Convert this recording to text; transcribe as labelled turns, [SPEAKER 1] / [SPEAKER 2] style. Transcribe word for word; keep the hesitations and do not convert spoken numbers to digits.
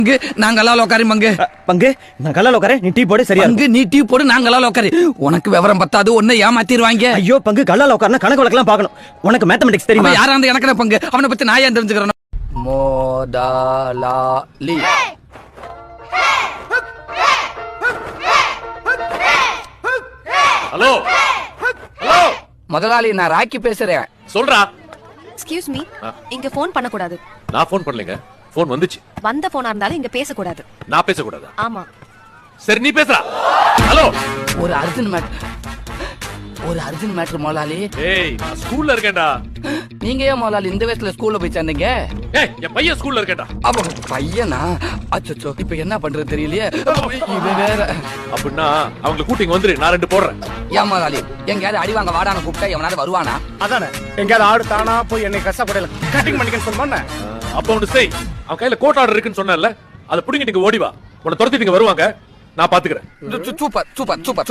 [SPEAKER 1] நாங்களால உட்காரு மங்கு.
[SPEAKER 2] பங்கு நான் கல்லால உட்கார, நீ டீ போடு. சரியா
[SPEAKER 1] மங்கு நீ டீ போடு, நாங்களால உட்காரு. உனக்கு விவரம் பத்தாது, ஒன்ன ஏமாத்திடுவாங்க.
[SPEAKER 2] ஐயோ பங்கு, கல்லால உட்கார்னா கணக்கு வழக்கெல்லாம் பார்க்கணும். உனக்கு மேத்தமெட்டிக்ஸ் தெரியுமா?
[SPEAKER 1] யாரா அந்த எனக்கு பங்கு, அவனை பத்தி நான் ஏன் தெரிஞ்சுக்கிறேன். மோதாலி
[SPEAKER 3] ஹலோ ஹலோ
[SPEAKER 1] முதலாளி, நான் ராக்கி பேசுறேன்.
[SPEAKER 3] சொல்றா.
[SPEAKER 4] எக்ஸ்கியூஸ் மீ, இங்க போன் பண்ண கூடாது.
[SPEAKER 3] நான் போன் பண்ணலங்க, போன் வந்துச்சு.
[SPEAKER 4] வந்த போனா இருந்தாலும் இங்க பேச கூடாது.
[SPEAKER 3] நான் பேச கூடாதா?
[SPEAKER 4] ஆமா.
[SPEAKER 3] சரி நீ பேசுறா. ஹலோ,
[SPEAKER 1] ஒரு அர்ஜென்ட் மேட்டர், ஒரு அர்ஜென்ட் மேட்டர் முதலாளி.
[SPEAKER 3] ஏய் நான் ஸ்கூல்ல இருக்கேன்டா.
[SPEAKER 1] நீங்க ஏன் முதலாளி இந்த வயசுல ஸ்கூல்ல போய் சேர்ந்தீங்க?
[SPEAKER 3] ஏய் என் பையன் ஸ்கூல்ல இருக்கேன்டா.
[SPEAKER 1] அப்ப பையனா? அச்சச்சோ, இப்ப என்ன பண்றது தெரியலையே. இவன் வேற.
[SPEAKER 3] அப்படின்னா அவங்களை கூட்டிங்க வந்துரு, நான் ரெண்டு போடுறேன்.
[SPEAKER 1] ஏன் முதலாளி, எங்கயாவது அடி வாங்க வாடான கூப்பிட்டா எவனாவது வருவானா?
[SPEAKER 5] அதானே, எங்கயாவது ஆடு தானா போய் என்னை கஷ்டப்படையில கட்டிங் பண்ணிக்கன்னு சொன்னோன்னே.
[SPEAKER 3] அப்ப ஒண்ணு செய், அவன் கையில கோட் ஆர்டர் இருக்குன்னு சொன்னேன்ல, அதை புடிங்கிட்டு இங்க ஓடி வா. உன்னை துரத்திட்டு இங்க வருவாங்க, நான் பாத்துக்கிறேன்.
[SPEAKER 1] Super super super.